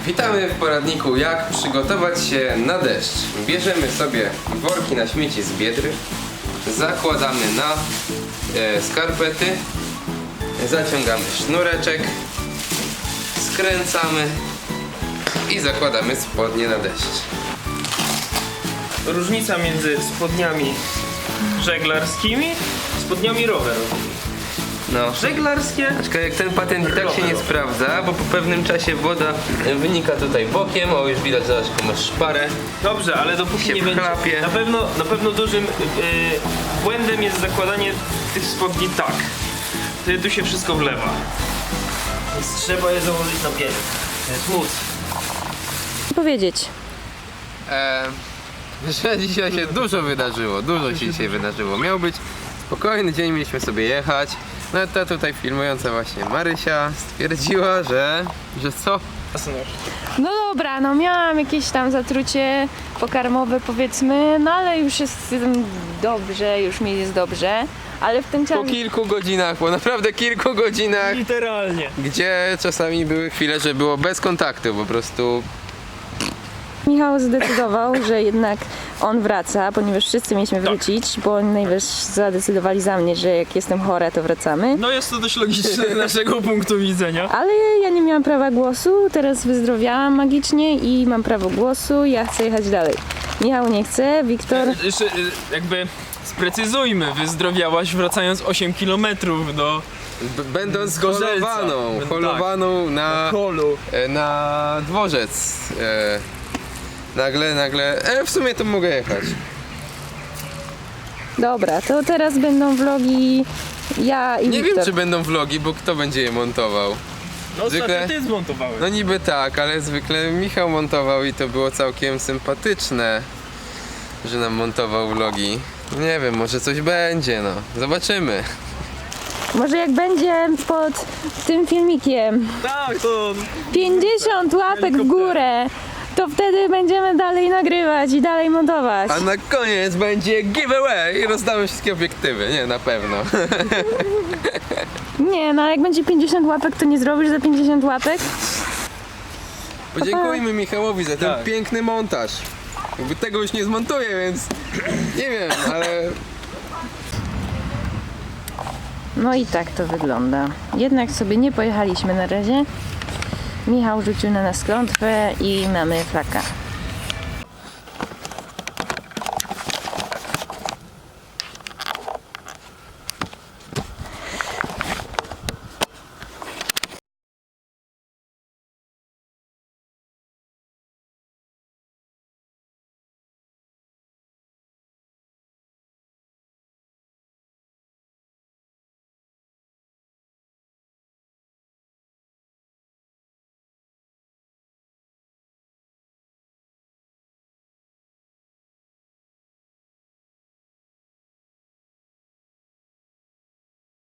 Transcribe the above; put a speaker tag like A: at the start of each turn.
A: Witamy w poradniku, jak przygotować się na deszcz. Bierzemy sobie worki na śmieci z Biedry, zakładamy na skarpety, zaciągamy sznureczek, skręcamy i zakładamy spodnie na deszcz.
B: Różnica między spodniami żeglarskimi a spodniami rowerowymi.
A: No.
B: Żeglarskie.
A: Aczkolwiek ten patent i tak się nie sprawdza, bo po pewnym czasie woda wynika tutaj bokiem. O, już widać, zobacz, jaką masz szparę.
B: Dobrze, ale dopóki
A: Się
B: nie będzie.
A: wchlapie.
B: Na pewno dużym błędem jest zakładanie tych spodni tak. Wtedy tu się wszystko wlewa. Więc trzeba je założyć na pierś. To jest móc.
C: Powiedzieć.
A: Że dzisiaj się dużo wydarzyło, dużo się dzisiaj wydarzyło. Miał być spokojny dzień, mieliśmy sobie jechać. No ta tutaj filmująca właśnie Marysia stwierdziła, że co?
C: No dobra, no miałam jakieś tam zatrucie pokarmowe, powiedzmy, no ale już jest dobrze, już mi jest dobrze. Ale w tym
A: Po
C: czasie...
A: kilku godzinach, po naprawdę kilku godzinach,
B: Literalnie.
A: gdzie czasami były chwile, że było bez kontaktu, po prostu.
C: Michał zdecydował, że jednak on wraca, ponieważ wszyscy mieliśmy wrócić, bo oni najwyżej zadecydowali za mnie, że jak jestem chora, to wracamy.
B: No jest to dość logiczne z naszego punktu widzenia.
C: Ale ja nie miałam prawa głosu, teraz wyzdrowiałam magicznie i mam prawo głosu, ja chcę jechać dalej. Michał nie chce, Wiktor...
B: Jeszcze jakby sprecyzujmy, wyzdrowiałaś wracając 8 km do
A: Będąc
B: Gorzelca.
A: holowaną na,
B: holu.
A: na dworzec. Nagle, w sumie to mogę jechać.
C: Dobra, to teraz będą vlogi ja i
A: Nie
C: Wiktor.
A: wiem, czy będą vlogi, bo kto będzie je montował?
B: No
A: Zwykle-
B: ostatnio ty zmontowałeś.
A: No niby tak, ale zwykle Michał montował i to było całkiem sympatyczne, że nam montował vlogi. Nie wiem, może coś będzie, no. Zobaczymy.
C: Może jak będzie pod tym filmikiem
B: Tak, to
C: 50 łapek w górę, to wtedy będziemy dalej nagrywać i dalej montować.
A: A na koniec będzie giveaway i rozdamy wszystkie obiektywy. Nie, na pewno.
C: Nie, no jak będzie 50 łapek, to nie zrobisz za 50 łapek?
A: Podziękujmy Michałowi za ten
B: Tak.
A: piękny montaż. Jakby tego już nie zmontuję, więc nie wiem, ale
C: No i tak to wygląda. Jednak sobie nie pojechaliśmy na razie. Michał rzucił na nas klątwę i mamy flaka.